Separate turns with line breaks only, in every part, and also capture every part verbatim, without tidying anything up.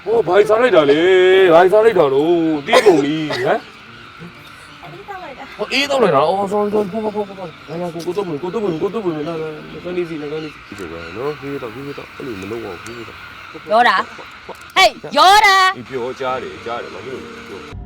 ဟောဘာစားလိုက်တာလဲဘာစားလိုက်တာလို့တီးကုန်ပြီဟမ်ဟောအေးတော့လိုက်တာအော် sorry sorry ဖောဖောဖောဖောလာလာကိုကိုတော့ကိုတော့ကိုတော့လာလာကနေစီလာကနေစီဒီကနော်ဖေးတော့ဖေးတော့အဲ့လိုမလုပ်အောင်ဖေးတော့
ရောတာဟေးရောတာ
ဒီပြောကြားတယ်ကြားတယ်မဟုတ်ဘူး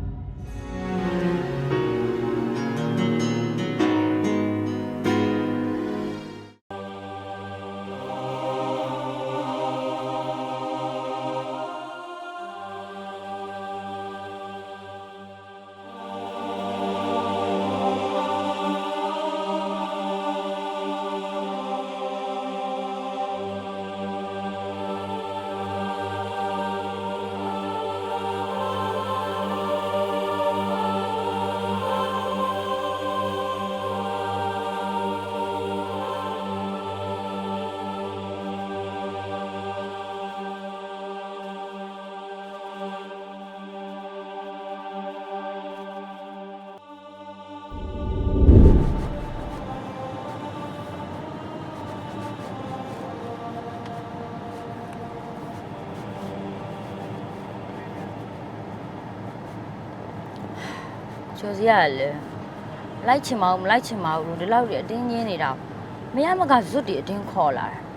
ကျော်စီရလေလိုက်ချင်မအောင်မလိုက်ချင်မအောင်လို့ဒီလောက်ကြီးအတင်းကြီးနေတာမရမကဇွတ်တီအတင်းခေါ်လာတာ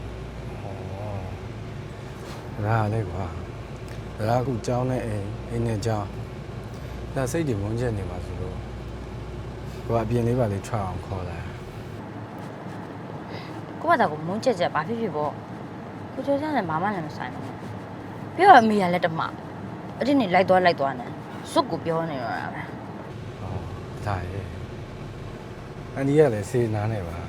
။ဒါလည်းကွာ။ဒါကခုကြောင်းနဲ့အိမ်အိမ်နဲ့ကြောင်းဒါစိတ်တွေမုန်းချက်နေပါဆိုလို့ကိုကအပြင်လေးပါလေးထွက်အောင်ခေါ်လာ
။ကိုကတာကိုမုန်းချက်ချက်ဘာဖြစ်ဖြစ်ပေါ့။ကိုကျော်စီနဲ့မာမလည်းမဆိုင်ဘူး။ပြောတော့အမေကလည်းတမအတင်းနေလိုက်သွားလိုက်သွားနေစွတ်ကိုပြောနေတော့တာပဲ
။ဒါရဲ့အန်ဒီကလည်းစေနာနေပါ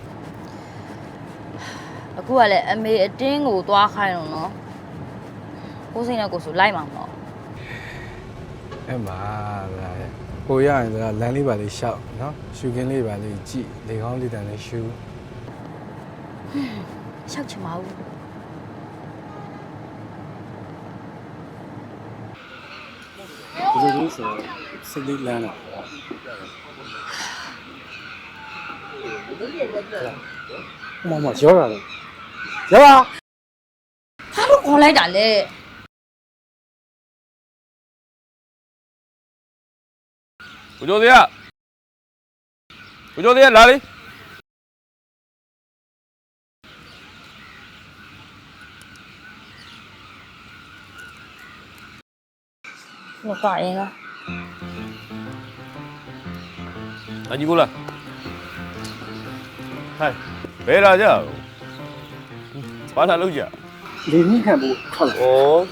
အခုကလည်းအမေအတင်းကိုသွားခိုင်းတော့နော်ကိုစိတ်နဲ့ကိုဆိုလိုက်မှာမဟုတ်
အဲ့မှာဒါရဲ့ကိုရရင်ဒါလမ်းလေးပါလေးရှောက်နော်ရှူခင်းလေးပါလေးကြည့်လေကောင်းလေးတန်လေးရှူ
ရှောက်ချင်ပါဘူး
ဒီလိုဆိုစိတ်လေးလမ်းတော့မမရောတာလေရောပါ
ဘာလို့ခေါ်လိုက်တာလဲ
ကိုကျော်သေးကိုကျော်သေးလာလေ
我挂人了。
啊，你过来。嗨，别打架，把他搂起。
连你看不看了？
哦。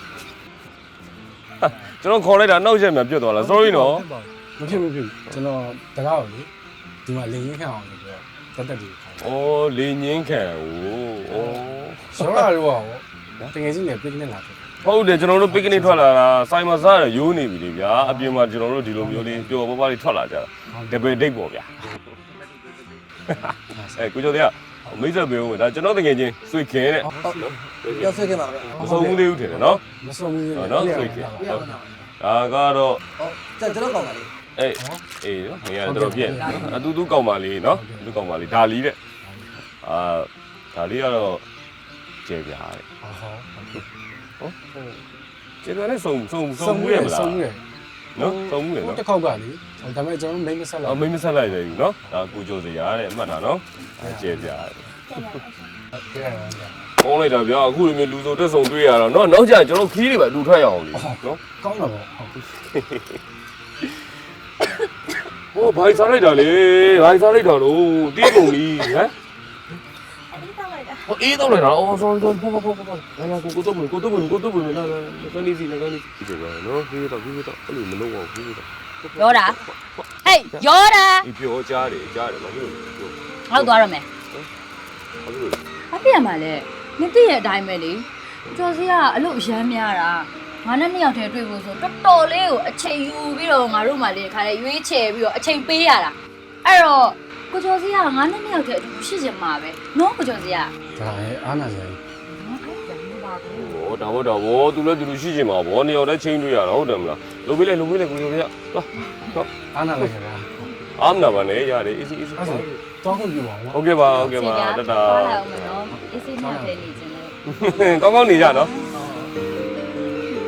ကျွန်တော်ခေါ်လိုက်တာနောက်ချက်မှပြတ်သွားလား sorry နော်
မဖြစ်မဖြစ်ကျွန်တော်တကားကိုလေဒီမှာလင်းရင်းခံအောင်လို့ပြောတက်တက်လေးခေါ်
ဩလေငင်းခံဟိုဩ
ရောလာတော့ဟောတကယ်ချင်းလည်းပစ်နေလာတယ်
ဟုတ်တယ်ကျွန်တော်တို့ picnic ထွက်လာတာစိုင်မစားရရိုးနေပြီလေဗျာအပြင်မှာကျွန်တော်တို့ဒီလိုမျိုးလေးပျော်ပွားပွားလေးထွက်လာကြတာ double date ပေါ့ဗျာအဲကိုကျော်တရားမိတ်ဆက်ပေးဦးမယ်ဒါကျွန်တော်တကယ်ချင်းဆွေခင်တဲ့
ရောက်ဆွေခင်ပါဗျာ
မဆုံးဘူးသေးဘူးထင်တယ်နော်
မဆုံးဘူး
နော်ဆွေခင်ဟုတ်ဒါကတော့
ဟုတ်ကျွန်တော်ကောင်းပါလေ
အေးအေးနော်ငယ်ကတော့ပြည့်နော်အတူတူကောင်းပါလေနော်အတူကောင်းပါလေဒါလီတဲ့အာဒါလီကတော့ကျေပြားတဲ့
ဟုတ်ဟုတ်
ဟုတ်ကျေပြားနဲ့စုံစုံစုံမှုရမလား
စုံမှုရ
နော်စုံမှုရနော်
တစ်ခေါက်ကလေဒါပေမဲ့ကျွန်တော်မိမဆက်လိုက်
အော်မိမဆက်လိုက်တယ်နော်ဒါကိုကျော်စရာတဲ့အမှတ်တာနော်ကျေပြားတဲ့ကောင်းလိုက်တာဗျာအခုလိုမျိုးလူစုံတက်ဆုံတွေ့ရတော့နော်နောက်ကျကျွန်တော်ခီးတွေပဲလူထွက်ရအောင်လေနော်
ကောင်းတာပေါ့
ဟုတ်ဟောဘာစားလိုက်တာလဲဘာစားလိုက်တာလို့တီးကုန်ပြီဟမ်ဟောအေးတော့လိုက်တာအော် sorry sorry ဖောဖောဖောဖောလာလာကိုကိုတော့ကိုတော့ကိုတော့လာလာကနေစီကနေစီဒီကနော်ဖေးတော့ဖေးတော့အဲ့လိုမလုပ်အောင်ဖေးတော့
ရောတာဟေးရောတာ
ဒီပြောကြားတယ်ကြားတယ်မဟုတ်ဘူး
ငါတို့သွားရမယ်
ဟုတ်လို့
ဘာပြရမှာလဲမသိရအတိုင်းပဲလေကျော်စီကအလုပ်ရမ်းများတာငါနဲ့နှစ်ယောက်တည်းတွေ့ဖို့ဆိုတော်တော်လေးကိုအချိန်ယူပြီးတော့ငါတို့မှလေခါလေရွေးချယ်ပြီးတော့အချိန်ပေးရတာအဲ့တော့ကိုကျော်စီကငါနဲ့နှစ်ယောက်တည်းအတူရှိချင်မှာပဲနော်ကိုကျော်စီက
ဒါရဲ့အားနာစရာ
ဟောဒါဘောဒါဘောသူလည်းသူလူရှိချင်မှာဗောနှစ်ယောက်တည်းချင်းတွေ့ရတာဟုတ်တယ်မလားလုံပေးလိုက်လုံပေးလိုက်ကိုကျော်စီကသွား
သွားအားနာလိုက်ခင်ဗျာ
အားမနာပါနဲ့ရတယ် easy easy
အဲ့ဒါတောင်းခွင့်ပြုပါဦး
ဟုတ်ကဲ့ပါဟုတ်ကဲ့ပါတတာ
သွားလာအောင်နော် easy နဲ့ပဲနေချင်တယ်
ကောင်းကောင်းနေကြနော်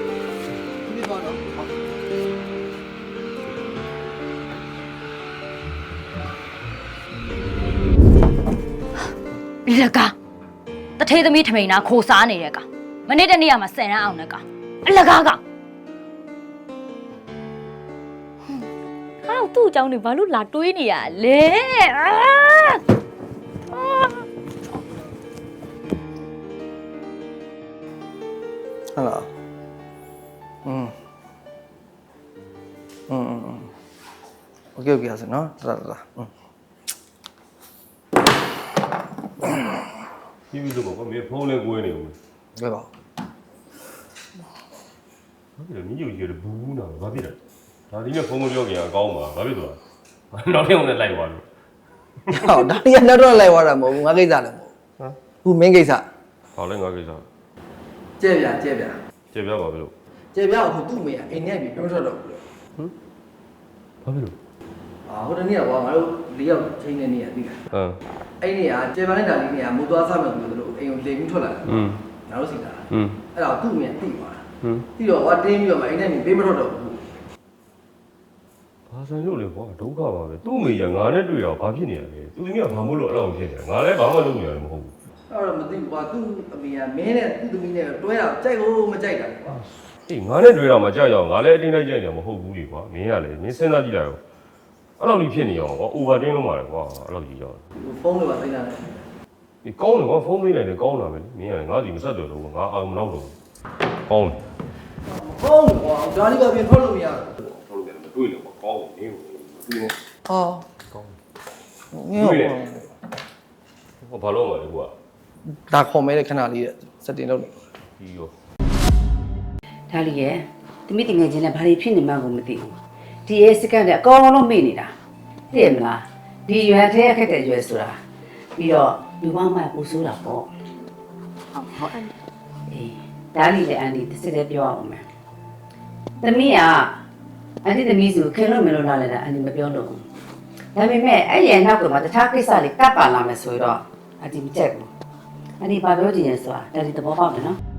လကားတထေးသမီးထမိန်နာခိုစားနေတဲ့ကောင်မနေ့တနေ့ကမှဆယ်ရန်အောင်တဲ့ကောင်အလကားကောင်ဟာသူ့အကြောင်းတွေဘာလို့လာတွေးနေရလဲအာ
ဟုတ်လားอืมอืมอืมโอเคโอเคဆိုနော်တတတอืม
ပြီးပြီလို့ပေါ့မင်းဖုန်းလေးကွေးနေဦးမယ်
ဘယ်ပါ
ဟုတ်တယ်မင်းယူရတဲ့ဘူးနာဘာဖြစ်လဲဒါဒီနဲ့ဖုန်းမပြောခင်အကောင်းပါဘာဖြစ်သွားနောက်ထပ်ဝင်လိုက်သွားလို့
ဟောဒါရီကတော့လိုက်သွားတာမဟုတ်ဘူးငါကိစ္စလည်းမဟုတ်
ဟမ်
ဘူးမင်းကိစ္စ
ဟောလဲငါကိစ္စ
ကြဲပြကြဲပြ
ကျေပြပါဘယ်လို
ကြဲပြဟိုသူ့မေကအိမ်ထဲပြီးပြောထွက်တော့ဘူး
ဘာဖြစ်လို့
အာဟိုတနေ့ကကွာငါတို့လေးယောက်ချိန်နေနေရသိလား
ဟမ်
အဲ့နေ့ကကြဲပြလိုက်တာလေးနေ့ကမိုးသွားစားမယ်ဆိုလို့အိမ်ကိုလေပြီးထွက်လာတယ်
อืม
ငါတို့စီတာ
อืม
အဲ့ဒါသူ့မေကတိသွားတာ
อืม
တိတော့ဟောတင်းပြီးတော့မှအိမ်ထဲပြီးပေးမထွက်တော့ဘူး
ဘာဆိုင်လို့လဲကွာဒုက္ခပါပဲသူ့မိရငါနဲ့တွေ့တော့ဘာဖြစ်နေရလဲသူသမီးကဘာမို့လို့အဲ့လိုဖြစ်နေလဲငါလည်းဘာမှလုပ်နေရတယ်မဟုတ်ဘူး
အဲ့တော့မသိဘူးကွာသူ့အမေကမင်းနဲ့သူ့သမီးနဲ့တွဲတာကြိုက်ကိုမကြိုက်တာကွာ
အေးငါနဲ့တွေ့တော့မကြောက်ရအောင်ငါလည်းအတင်းလိုက်ကြိုက်နေမှာမဟုတ်ဘူးလေကွာမင်းကလည်းမင်းစဉ်းစားကြည့်လိုက်ရောအဲ့လိုကြီးဖြစ်နေအောင်ကွာ over တင်းလုံးပါလေကွာအဲ့လိုကြီးကြောက်
ဖုန်းတွေပါသိနေတာ
ဒီကောင်းတယ်ကွာဖုန်းလေးလိုက်တယ်ကောင်းလာမယ်မင်းကလည်းငါစီမဆက်တယ်လို့ငါအောင်မနောက်တော့ကောင်းတယ်
ဖုန်းကွာဒါလေးကပြင်ထွက်လို့မရဘူး
ဟုတ်တယ်မတွေ့လို့ကွာကောင်းတယ်မင်းကိုမတွေ့နဲ့
ဟော
ကောင်း
ငင်းတော့
ဟောဘာလို့မလဲကွာ
ဒါခေါ်မဲတဲ့ခဏလေးစက်တင်လုပ်နေ
ဒီရော
ဒါလီရဲ့တမိတင်ငယ်ချင်းနဲ့ဘာတွေဖြစ်နေမှကိုမသိဘူးဒီရဲ့စကန်တဲ့အကောင်လုံးမေ့နေတာသိရမလားဒီရွယ်ထဲအခက်တဲ့ရွယ်ဆိုတာပြီးတော့လူပေါင်းမှပူဆိုးတာပေါ့
ဟုတ်ဟုတ်အန်
အေးဒါလီလည်းအန်ဒီတစ်စစ်တည်းပြောအောင်မယ်တမိကအန်ဒီတမိစုခင်လို့မလို့လာလဲတာအန်ဒီမပြောလို့ဘူးဒါပေမဲ့အဲ့ရဲ့နောက်ကမှတခြားကိစ္စလေးကပ်ပါလာမယ်ဆိုတော့အန်ဒီမကြက်ဘူးအန်ဒီဘာပြောချင်လဲဆိုတာဒါဒီသဘောပေါက်တယ်နော်